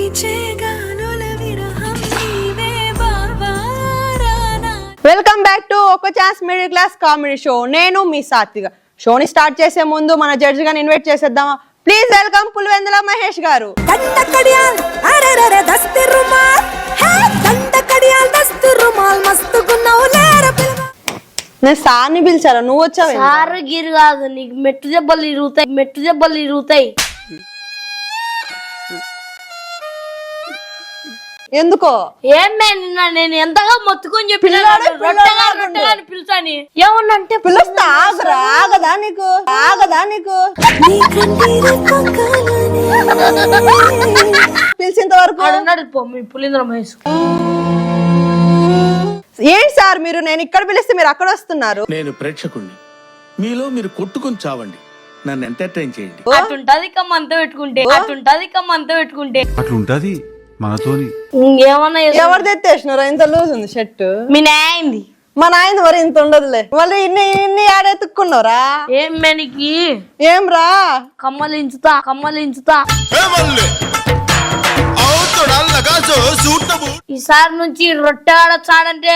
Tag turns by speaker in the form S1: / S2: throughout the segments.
S1: Welcome back to ఒక chance middle class comedy show. నేను మీ సాత్విక. షోని స్టార్ట్ చేసే ముందు మన జడ్జి గారిని ఇన్వైట్ చేసేద్దామా? ప్లీజ్ వెల్కమ్ పులివెందుల మహేష్ గారు. నేను సార్ని పిలిచారా, నువ్వు వచ్చావు?
S2: సార్ గిరి కాదు, నీకు మెట్టు దెబ్బలు ఇరుగుతాయి.
S1: ఎందుకో
S2: ఏమే నిన్న నేను ఎంతగా మొత్తుకొని చెప్పి పిలుచాని ఏమన్నంటే
S1: పిలుస్తా. ఆగదా నీకు పిలిచేంత వరకు
S2: అన్నాడు మీ పులింద్ర మహేష్.
S1: ఏంటి సార్ మీరు, నేను ఇక్కడ పిలిస్తే మీరు అక్కడ వస్తున్నారు?
S3: నేను ప్రేక్షకుణ్ణి, మీలో మీరు కొట్టుకొని చావండి, నన్ను ఎంటర్టైన్ చేయండి.
S2: అటుంటది కమ్మంతా పెట్టుకుంటే
S4: అట్లుంటది మనతోని.
S2: ఏమన్నా
S1: ఎవరు తెచ్చేసినారు? ఇంత లూజ్ ఉంది షర్ట్.
S2: మీ నాయంది.
S1: మా నాయన మరి ఇంత ఉండదులే. మళ్ళీ ఇన్ని ఆడెత్తుక్కున్నారా?
S2: ఏం మెనికి
S1: ఏం రా
S2: కమ్మలించుతా ఈసారి నుంచి రొట్టె ఆడొచ్చాడంటే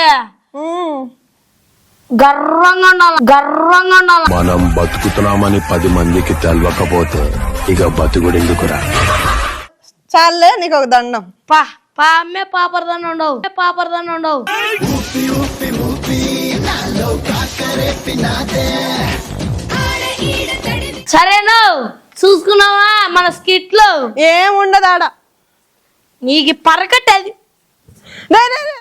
S2: గర్వంగా ఉండాలి.
S5: మనం బతుకుతున్నామని 10 మందికి తెలవకపోతే ఇక బతుకుడెందుకురా?
S1: చాలే నీకు ఒక దండం.
S2: అమ్మే పాపరదాన్ని ఉండవు. సరేనా, చూసుకున్నావా మన స్కిట్ లో?
S1: ఏం ఉండదు ఆడ.
S2: నీకు పరకట్టది.